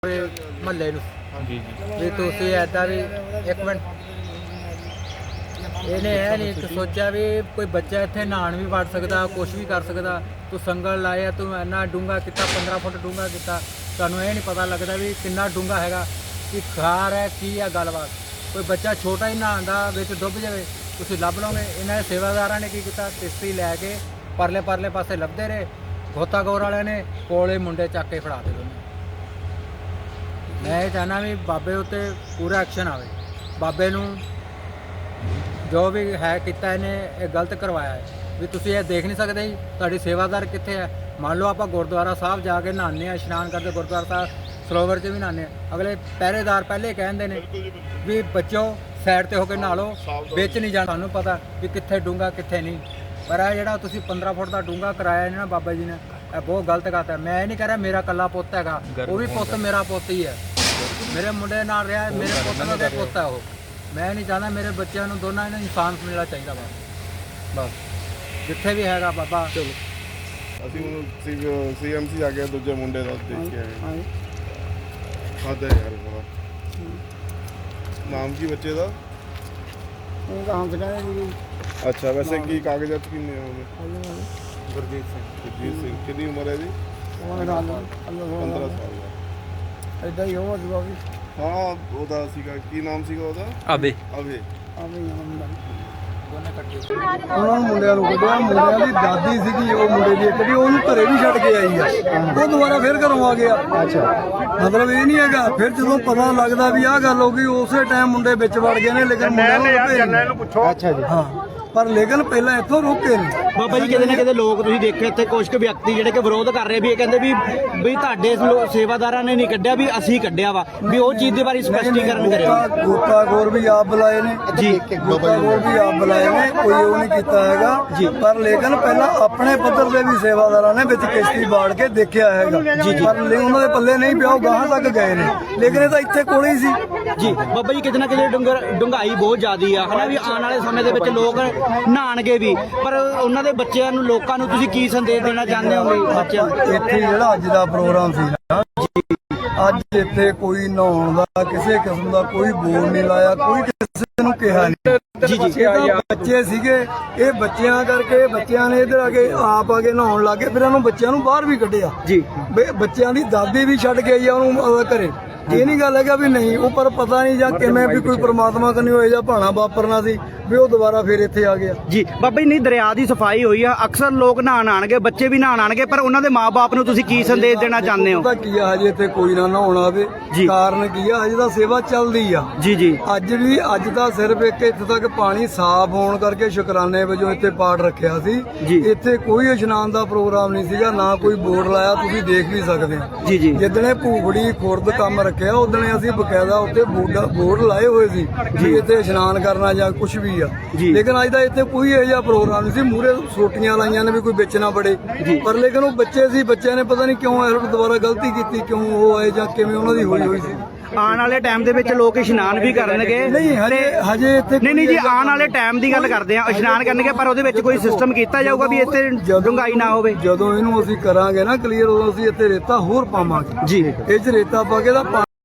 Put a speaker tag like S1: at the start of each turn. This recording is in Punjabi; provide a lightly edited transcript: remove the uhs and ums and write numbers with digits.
S1: ਮਹੱਲੇ ਨੂੰ
S2: ਜੀ ਜੀ
S1: ਵੀ ਤੁਸੀਂ ਐਦਾਂ ਵੀ ਇੱਕ ਮਿੰਟ ਇਹਨੇ ਇਹ ਨਹੀਂ ਸੋਚਿਆ ਵੀ ਕੋਈ ਬੱਚਾ ਇੱਥੇ ਨਹਾਉਣ ਵੀ ਵੜ ਸਕਦਾ, ਕੁਛ ਵੀ ਕਰ ਸਕਦਾ। ਤੂੰ ਸੰਗਲ ਲਾਇਆ, ਤੂੰ ਇੰਨਾ ਡੂੰਘਾ ਕੀਤਾ, 15 ਫੁੱਟ ਡੂੰਘਾ ਕੀਤਾ। ਤੁਹਾਨੂੰ ਇਹ ਨਹੀਂ ਪਤਾ ਲੱਗਦਾ ਵੀ ਕਿੰਨਾ ਡੂੰਘਾ ਹੈਗਾ, ਕਿ ਖਾਰ ਹੈ ਕੀ ਆ ਗੱਲਬਾਤ। ਕੋਈ ਬੱਚਾ ਛੋਟਾ ਹੀ ਨਹਾਉਂਦਾ ਵਿੱਚ ਡੁੱਬ ਜਾਵੇ, ਤੁਸੀਂ ਲੱਭ ਲਓਗੇ। ਇਹਨਾਂ ਦੇ ਸੇਵਾਦਾਰਾਂ ਨੇ ਕੀ ਕੀਤਾ, ਕਿਸ਼ਤੀ ਲੈ ਕੇ ਪਰਲੇ ਪਰਲੇ ਪਾਸੇ ਲੱਭਦੇ ਰਹੇ। ਗੋਤਾਖੋਰ ਵਾਲਿਆਂ ਨੇ ਕੋਲੇ ਮੁੰਡੇ ਚੱਕ ਕੇ ਫੜਾ ਦੇ ਦੋਨੇ। ਮੈਂ ਇਹ ਚਾਹੁੰਦਾ ਵੀ ਬਾਬੇ ਉੱਤੇ ਪੂਰਾ ਐਕਸ਼ਨ ਆਵੇ। ਬਾਬੇ ਨੂੰ ਜੋ ਵੀ ਹੈ ਕੀਤਾ ਇਹਨੇ ਇਹ ਗਲਤ ਕਰਵਾਇਆ ਹੈ। ਵੀ ਤੁਸੀਂ ਇਹ ਦੇਖ ਨਹੀਂ ਸਕਦੇ ਜੀ ਤੁਹਾਡੀ ਸੇਵਾਦਾਰ ਕਿੱਥੇ ਹੈ। ਮੰਨ ਲਓ ਆਪਾਂ ਗੁਰਦੁਆਰਾ ਸਾਹਿਬ ਜਾ ਕੇ ਨਹਾਉਂਦੇ ਹਾਂ, ਇਸ਼ਨਾਨ ਕਰਦੇ ਗੁਰਦੁਆਰਾ ਸਾਹਿਬ ਸਰੋਵਰ 'ਚ ਵੀ ਨਹਾਉਂਦੇ ਹਾਂ। ਅਗਲੇ ਪਹਿਰੇਦਾਰ ਪਹਿਲੇ ਕਹਿੰਦੇ ਨੇ ਵੀ ਬੱਚੋ ਸਾਈਡ 'ਤੇ ਹੋ ਕੇ ਨਹਾ ਲਓ, ਵਿੱਚ ਨਹੀਂ ਜਾਣਾ। ਸਾਨੂੰ ਪਤਾ ਵੀ ਕਿੱਥੇ ਡੂੰਘਾ ਕਿੱਥੇ ਨਹੀਂ। ਪਰ ਇਹ ਜਿਹੜਾ ਤੁਸੀਂ 15 ਫੁੱਟ ਦਾ ਡੂੰਘਾ ਕਰਾਇਆ ਨਾ ਬਾਬਾ ਜੀ ਨੇ, ਇਹ ਬਹੁਤ ਗਲਤ ਕਰਤਾ। ਮੈਂ ਇਹ ਨਹੀਂ ਕਹਿ ਰਿਹਾ ਮੇਰਾ ਇਕੱਲਾ ਪੁੱਤ ਹੈਗਾ, ਉਹ ਵੀ ਪੁੱਤ ਮੇਰਾ ਪੁੱਤ ਹੀ ਹੈ। ਮੇਰੇ ਮੁੰਡੇ ਨਾਲ ਰਿਹਾ, ਮੇਰੇ ਪੁੱਤ ਦਾ ਪੁੱਤ ਹੈ ਉਹ। ਮੈਂ ਨਹੀਂ ਚਾਹੁੰਦਾ ਮੇਰੇ ਬੱਚਿਆਂ ਨੂੰ ਦੋਨਾਂ ਨੂੰ ਇਨਸਾਨ ਮਿਲਣਾ ਚਾਹੀਦਾ। ਬਸ ਜਿੱਥੇ ਵੀ ਹੈਗਾ ਬਾਬਾ। ਚਲੋ
S3: ਅਸੀਂ ਹੁਣ ਸੀਐਮਸੀ ਆ ਗਿਆ, ਦੂਜੇ ਮੁੰਡੇ ਦਾ ਦੇਖ ਕੇ ਆਏ। ਖਾਦਾ ਯਾਰ ਬੜਾ। ਨਾਮ ਕੀ ਬੱਚੇ ਦਾ? ਅੱਛਾ, ਵੈਸੇ ਕੀ ਕਾਗਜ਼ਾਤ ਕਿੰਨੇ ਹੋਣਗੇ?
S1: ਗੁਰਜੀਤ ਸਿੰਘ।
S3: ਗੁਰਜੀਤ ਸਿੰਘ ਕਿੰਨੀ ਉਮਰ ਹੈ ਜੀ? 15 ਸਾਲ ਦਾ।
S4: ਇਦਾਂ ਹੀ ਹੋਵਾ ਜਵਾ ਵੀ
S3: ਹਾਂ, ਉਹਦਾ ਸੀਗਾ ਕੀ ਨਾਮ ਸੀਗਾ ਉਹਦਾ?
S2: ਅਬੇ
S3: ਅਵੇ।
S4: ਉਹਨਾਂ ਨੂੰ ਮੁੰਡਿਆਂ ਨੂੰ ਕੱਢਿਆ। ਮੁੰਡਿਆਂ ਦੀ ਦਾਦੀ ਸੀਗੀ, ਉਹ ਮੁੰਡੇ ਦੀ ਇੱਕ ਦੀ ਉਹਨੂੰ ਘਰੇ ਵੀ ਛੱਡ ਕੇ ਆਈ ਆ। ਉਹ ਦੁਬਾਰਾ ਫਿਰ ਘਰੋਂ ਆ ਗਿਆ। ਮਤਲਬ ਇਹ ਨਹੀਂ ਹੈਗਾ। ਫਿਰ ਜਦੋਂ ਪਤਾ ਲੱਗਦਾ ਵੀ ਆਹ ਗੱਲ ਹੋ ਗਈ, ਉਸੇ ਟਾਈਮ ਮੁੰਡੇ ਵਿੱਚ ਵੜ ਗਏ ਨੇ। ਲੇਕਿਨ ਮੁੰਡਿਆਂ ਨੂੰ ਅੱਛਾ ਜੀ ਹਾਂ, ਪਰ ਲੇਕਿਨ ਪਹਿਲਾਂ ਇੱਥੋਂ ਰੋਕੇ ਨੇ
S5: ਬਾਬਾ ਜੀ। ਕਿਤੇ ਨਾ ਕਿਤੇ ਲੋਕ ਤੁਸੀਂ ਦੇਖਿਆ ਇੱਥੇ ਕੁਝ ਕੁ ਵਿਅਕਤੀ ਜਿਹੜੇ ਕਿ ਵਿਰੋਧ ਕਰ ਰਹੇ ਵੀ ਇਹ ਕਹਿੰਦੇ ਵੀ ਤੁਹਾਡੇ ਸੇਵਾਦਾਰਾਂ ਨੇ ਨਹੀਂ ਕੱਢਿਆ, ਵੀ ਅਸੀਂ ਕੱਢਿਆ ਵਾ। ਵੀ ਉਹ ਚੀਜ਼ ਦੇ ਬਾਰੇ ਸਪਸ਼ਟੀਕਰਨ ਕਰਿਓ।
S4: ਗੋਤਾਖੋਰ ਵੀ ਆਪ ਬੁਲਾਏ ਨੇ ਜੀ, ਗੋਤਾਖੋਰ ਵੀ ਆਪ ਬੁਲਾਏ ਨੇ, ਕੋਈ ਉਹ ਨਹੀਂ ਕੀਤਾ ਹੈਗਾ ਜੀ। ਪਰ ਲੇਕਿਨ ਪਹਿਲਾਂ ਆਪਣੇ ਪੱਧਰ ਦੇ ਵੀ ਸੇਵਾਦਾਰਾਂ ਨੇ ਵਿੱਚ ਕਿਸ਼ਤੀ ਬਾੜ ਕੇ ਦੇਖਿਆ ਹੈਗਾ ਜੀ। ਪਰ ਉਹਨਾਂ ਦੇ ਪੱਲੇ ਨਹੀਂ ਪਿਆ, ਉਹ ਗਾਹਾਂ ਤੱਕ ਗਏ ਨੇ। ਲੇਕਿਨ ਇਹ ਤਾਂ ਇੱਥੇ ਕੋਲ ਹੀ ਸੀ
S5: ਜੀ। ਬਾਬਾ ਜੀ ਕਿਤੇ ਨਾ ਕਿਤੇ ਡੂੰਘਾਈ ਬਹੁਤ ਜ਼ਿਆਦੀ ਆ ਹਨਾ, ਵੀ ਆਉਣ ਵਾਲੇ ਸਮੇਂ ਦੇ ਵਿੱਚ ਲੋਕ ਨਹਾਣਗੇ ਵੀ। ਪਰ ਉਹਨਾਂ ਦੇ ਬੱਚਿਆਂ ਨੂੰ, ਲੋਕਾਂ ਨੂੰ ਤੁਸੀਂ ਕੀ ਸੰਦੇਸ਼ ਦੇਣਾ ਚਾਹੁੰਦੇ ਹੋ ਬੱਚਿਆਂ ਨੂੰ?
S4: ਇੱਥੇ ਜਿਹੜਾ ਅੱਜ ਦਾ ਪ੍ਰੋਗਰਾਮ ਸੀ ਨਾ, ਅੱਜ ਇੱਥੇ ਕੋਈ ਨਹਾਉਣ ਦਾ ਕਿਸੇ ਕਿਸਮ ਦਾ ਕੋਈ ਬੋਰਡ ਨਹੀਂ ਲਾਇਆ, ਕੋਈ ਕਿਸੇ ਨੂੰ ਕਿਹਾ ਨਹੀਂ ਜੀ। ਬੱਚੇ ਸੀਗੇ, ਇਹ ਬੱਚਿਆਂ ਕਰਕੇ ਬੱਚਿਆਂ ਨੇ ਇਧਰ ਆ ਕੇ ਆਪ ਆ ਕੇ ਨਹਾਉਣ ਲੱਗੇ। ਫਿਰ ਇਹਨੂੰ ਬੱਚਿਆਂ ਨੂੰ ਬਾਹਰ ਵੀ ਕੱਢਿਆ ਜੀ। ਬੱਚਿਆਂ ਦੀ ਦਾਦੀ ਵੀ ਛੱਡ ਕੇ ਆਈ ਆ ਉਹਨੂੰ ਘਰੇ। ਇਹ ਨਹੀਂ ਗੱਲ ਹੈਗਾ ਵੀ ਨਹੀਂ ਉਹ, ਪਰ ਪਤਾ ਨਹੀਂ ਜਾਂ ਕਿਵੇਂ ਵੀ ਕੋਈ ਪ੍ਰਮਾਤਮਾ ਕਨੀ ਹੋਏ ਜਾਂ ਭਾਣਾ ਵਾਪਰਨਾ ਸੀ ਵੀ ਉਹ ਦੁਬਾਰਾ ਫਿਰ ਇੱਥੇ ਆ ਗਿਆ
S5: ਜੀ। ਬਾਬਾ ਜੀ ਨਹੀਂ, ਦਰਿਆ ਦੀ ਸਫਾਈ ਹੋਈ ਆ, ਅਕਸਰ ਲੋਕ ਨਹਾਣ ਆਣਗੇ, ਬੱਚੇ ਵੀ ਨਹਾਣ ਆਣਗੇ, ਪਰ ਉਹਨਾਂ ਦੇ ਮਾਪੇ ਨੂੰ ਤੁਸੀਂ ਕੀ ਸੰਦੇਸ਼ ਦੇਣਾ ਚਾਹੁੰਦੇ ਹੋ?
S4: ਪਤਾ ਕੀ ਆ, ਹਜੇ ਇੱਥੇ ਕੋਈ ਨਾ ਨਹਾਉਣ ਆਵੇ। ਕਾਰਨ ਕੀ ਆ, ਹਜੇ ਤਾਂ ਸੇਵਾ ਚੱਲਦੀ ਆ
S5: ਜੀ ਜੀ।
S4: ਅੱਜ ਦਾ ਸਿਰਫ ਇੱਕ ਇੱਥੇ ਤੱਕ ਪਾਣੀ ਸਾਫ਼ ਹੋਣ ਕਰਕੇ ਸ਼ੁਕਰਾਨੇ ਵਜੋਂ ਇੱਥੇ ਪਾਠ ਰੱਖਿਆ ਸੀ ਜੀ। ਇੱਥੇ ਕੋਈ ਇਸ਼ਨਾਨ ਦਾ ਪ੍ਰੋਗਰਾਮ ਨਹੀਂ ਸੀਗਾ, ਨਾ ਕੋਈ ਬੋਰਡ ਲਾਇਆ, ਤੁਸੀਂ ਦੇਖ ਵੀ ਸਕਦੇ ਹੋ ਜੀ ਜੀ। ਜਿੱਦਣੇ ਭੂਖੜੀ ਖੁਰਦ ਕੰਮ ਰੱਖਿਆ ਉਦਣੇ ਅਸੀਂ ਬਕਾਇਦਾ ਉੱਤੇ ਬੋਰਡ ਲਾਏ ਹੋਏ ਸੀ ਜੀ, ਇੱਥੇ ਇਸ਼ਨਾਨ ਕਰਨਾ ਜਾਂ ਕੁਝ ਵੀ ਆ। ਲੇਕਿਨ ਅੱਜ ਦਾ ਇੱਥੇ ਕੋਈ ਇਹੋ ਜਿਹਾ ਪ੍ਰੋਗਰਾਮ ਨਹੀਂ ਸੀ। ਮੂਹਰੇ ਸੋਟੀਆਂ ਲਾਈਆਂ ਨੇ ਵੀ ਕੋਈ ਵਿੱਚ ਨਾ ਬੜੇ, ਪਰ ਲੇਕਿਨ ਉਹ ਬੱਚੇ ਸੀ, ਬੱਚਿਆਂ ਨੇ ਪਤਾ ਨਹੀਂ ਕਿਉਂ ਇਹ ਦੁਬਾਰਾ ਗਲਤੀ ਕੀਤੀ, ਕਿਉਂ ਉਹ ਆਏ ਜਾਂ ਕਿਵੇਂ ਉਹਨਾਂ ਦੀ ਹੋਈ ਸੀ।
S5: ਆਉਣ ਵਾਲੇ ਟਾਈਮ ਦੇ ਵਿੱਚ ਲੋਕ ਇਸ਼ਨਾਨ ਵੀ ਕਰਨਗੇ।
S4: ਨਹੀਂ ਹਜੇ ਇੱਥੇ
S5: ਨਹੀਂ ਜੀ, ਆਉਣ ਵਾਲੇ ਟਾਈਮ ਦੀ ਗੱਲ ਕਰਦੇ ਆ। ਇਸ਼ਨਾਨ ਕਰਨਗੇ, ਪਰ ਉਹਦੇ ਵਿੱਚ ਕੋਈ ਸਿਸਟਮ ਕੀਤਾ ਜਾਊਗਾ ਵੀ ਇੱਥੇ ਡੂੰਘਾਈ ਨਾ ਹੋਵੇ।
S4: ਜਦੋਂ ਇਹਨੂੰ ਅਸੀਂ ਕਰਾਂਗੇ ਨਾ ਕਲੀਅਰ, ਉਦੋਂ ਅਸੀਂ ਇੱਥੇ ਰੇਤਾ ਹੋਰ ਪਾਵਾਂਗੇ ਜੀ। ਇਹ 'ਚ ਰੇਤਾ ਪਾ ਕੇ ਦਾ